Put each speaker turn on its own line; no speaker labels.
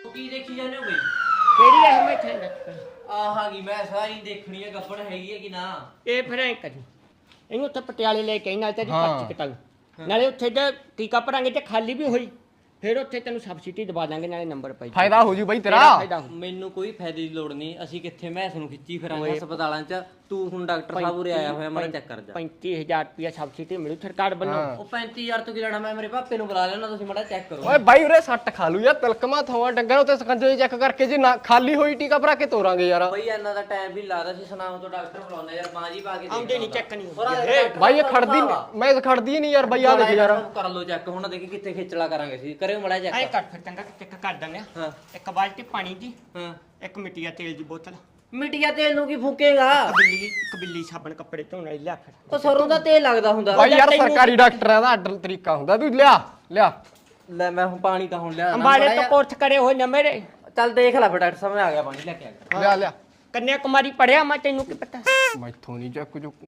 ਕੀ ਦੇਖੀ ਜਾਂਦੇ ਹੋ ਬਈ?
ਕਿਹੜੀ ਐ ਮੈਂ ਇੱਥੇ ਦੱਸ
ਆਹ ਆ ਗਈ ਮੈਂ ਸਾਰੀ ਦੇਖਣੀ ਹੈ ਗੱਬਣ ਹੈਗੀ ਹੈ ਕਿ ਨਾ।
ਇਹ ਫਿਰ ਐ ਕਰੀ ਇਹਨੂੰ ਉੱਥੇ ਪਟਿਆਲੇ ਲੈ ਕੇ ਆਈ ਨਾਲ ਤੇਰੀ ਪਰਚੀ ਕਟਾਉ ਨਾਲੇ ਉੱਥੇ ਜੇ ਟੀਕਾ ਭਰਾਂਗੇ ਤੇ ਖਾਲੀ ਵੀ ਹੋਈ ਫਿਰ ਉੱਥੇ ਤੈਨੂੰ ਸਬਸਿਡੀ ਦਵਾ ਦਾਂਗੇ ਨਾਲੇ ਨੰਬਰ ਪਾਈ
ਫਾਇਦਾ ਹੋ ਜੂ ਬਈ ਤੇਰਾ।
ਫਾਇਦਾ ਹੋ
ਮੈਨੂੰ ਕੋਈ ਫਾਇਦੇ ਦੀ ਲੋੜ ਨਹੀਂ। ਅਸੀਂ ਕਿੱਥੇ ਮੈਸ ਨੂੰ ਖਿੱਚੀ ਫਿਰਾਂਗੇ ਹਸਪਤਾਲਾਂ 'ਚ। ਤੂੰ ਹੁਣ ਡਾਕਟਰ ਸਾਹਿਬ ਉਰੇ ਆਇਆ ਹੋਇਆ, ਮੇਰਾ ਚੈੱਕ ਕਰ ਜਾ।
35000 ਰੁਪਇਆ ਸਬਸਿਡੀ ਮਿਲੂ ਸਰਕਾਰ ਵੱਲੋਂ।
ਉਹ 35000 ਤੋਂ ਕੀ ਲੈਣਾ? ਮੈਂ ਮੇਰੇ ਪਾਪੇ ਨੂੰ ਬੁਲਾ ਲੈਣਾ, ਤੁਸੀਂ ਮਾੜਾ ਚੈੱਕ ਕਰੋ।
ਓਏ ਬਾਈ ਉਰੇ ਸੱਟ ਖਾ ਲੂ ਯਾਰ, ਤਿਲਕਮਾ ਥਵਾ ਡੰਗਰ ਉੱਤੇ ਸਕੰਜੇ ਚੈੱਕ ਕਰਕੇ ਜੇ ਨਾ ਖਾਲੀ ਹੋਈ ਟੀਕਾ ਭਰਾ ਕੇ ਤੋਰਾਂਗੇ ਯਾਰ।
ਬਈ ਇਹਨਾਂ ਦਾ ਟਾਈਮ ਵੀ ਲੱਗਦਾ ਸੀ। ਸੁਨਾਮ ਤੋਂ ਡਾਕਟਰ ਬੁਲਾਉਂਦਾ ਯਾਰ, ਬਾਜੀ ਪਾ ਕੇ
ਆਉਂਦੇ ਨਹੀਂ ਚੈੱਕ ਨਹੀਂ
ਬਾਈ ਇਹ ਖੜਦੀ ਮੈਂ ਖੜਦੀ ਨਹੀਂ ਯਾਰ ਬਾਈ, ਆ ਦੇਖ ਯਾਰ।
ਕਰ ਲੋ ਚੈੱਕ ਹੁਣ, ਦੇਖੀ ਕਿੱਥੇ ਖੇਚਲਾ ਕਰਾਂਗੇ ਸੀ। ਕਰਿਓ ਮਾੜਾ
ਐ
ਚੈੱਕ।
ਕਰ ਫਿਰ ਚੰਗਾ ਚੈੱਕ ਕਰ ਦਿੰਦੇ
ਹਾਂ
ਆ। ਇੱਕ ਬਾਲਟੀ ਪਾਣੀ ਦੀ,
ਹਾਂ।
ਇੱਕ ਮਿੱਟੀਆ ਤੇਲ ਦੀ ਬੋਤਲ,
ਮਿੱਟੀਆ ਤੇਲ ਨੂੰ ਕੀ ਫੂਕੇਗਾ?
ਕਬਿੱਲੀ ਸਾਬਣ ਕੱਪੜੇ ਧੋਣ ਵਾਲੀ ਲਿਆ ਫਿਰ।
ਉਹ ਸਰੋਂ ਦਾ ਤੇਲ ਲੱਗਦਾ ਹੁੰਦਾ।
ਬਾਈ ਯਾਰ ਸਰਕਾਰੀ ਡਾਕਟਰਾਂ ਦਾ ਅੱਡ ਤਰੀਕਾ ਹੁੰਦਾ, ਤੂੰ ਲਿਆ
ਲੈ ਮੈਂ ਹੁਣ ਪਾਣੀ ਤਾਂ ਹੁਣ ਲਿਆ
ਅੰਬਾਲੇ ਤੋਂ ਕੋਰਸ ਕਰੇ ਹੋਏ ਨੇ ਮੇਰੇ।
ਚੱਲ ਦੇਖ ਲੈ ਫਿਰ, ਡਾਕਟਰ ਸਾਹਿਬ ਆ ਗਿਆ, ਪਾਣੀ ਲੈ ਕੇ ਆ ਗਿਆ।
ਕੰਨਿਆ ਕੁਮਾਰੀ ਪੜਿਆ ਮੈਂ, ਤੈਨੂੰ ਕੀ ਪਤਾ?
ਮੈਥੋਂ ਨਹੀਂ ਚੱਕ ਜੋ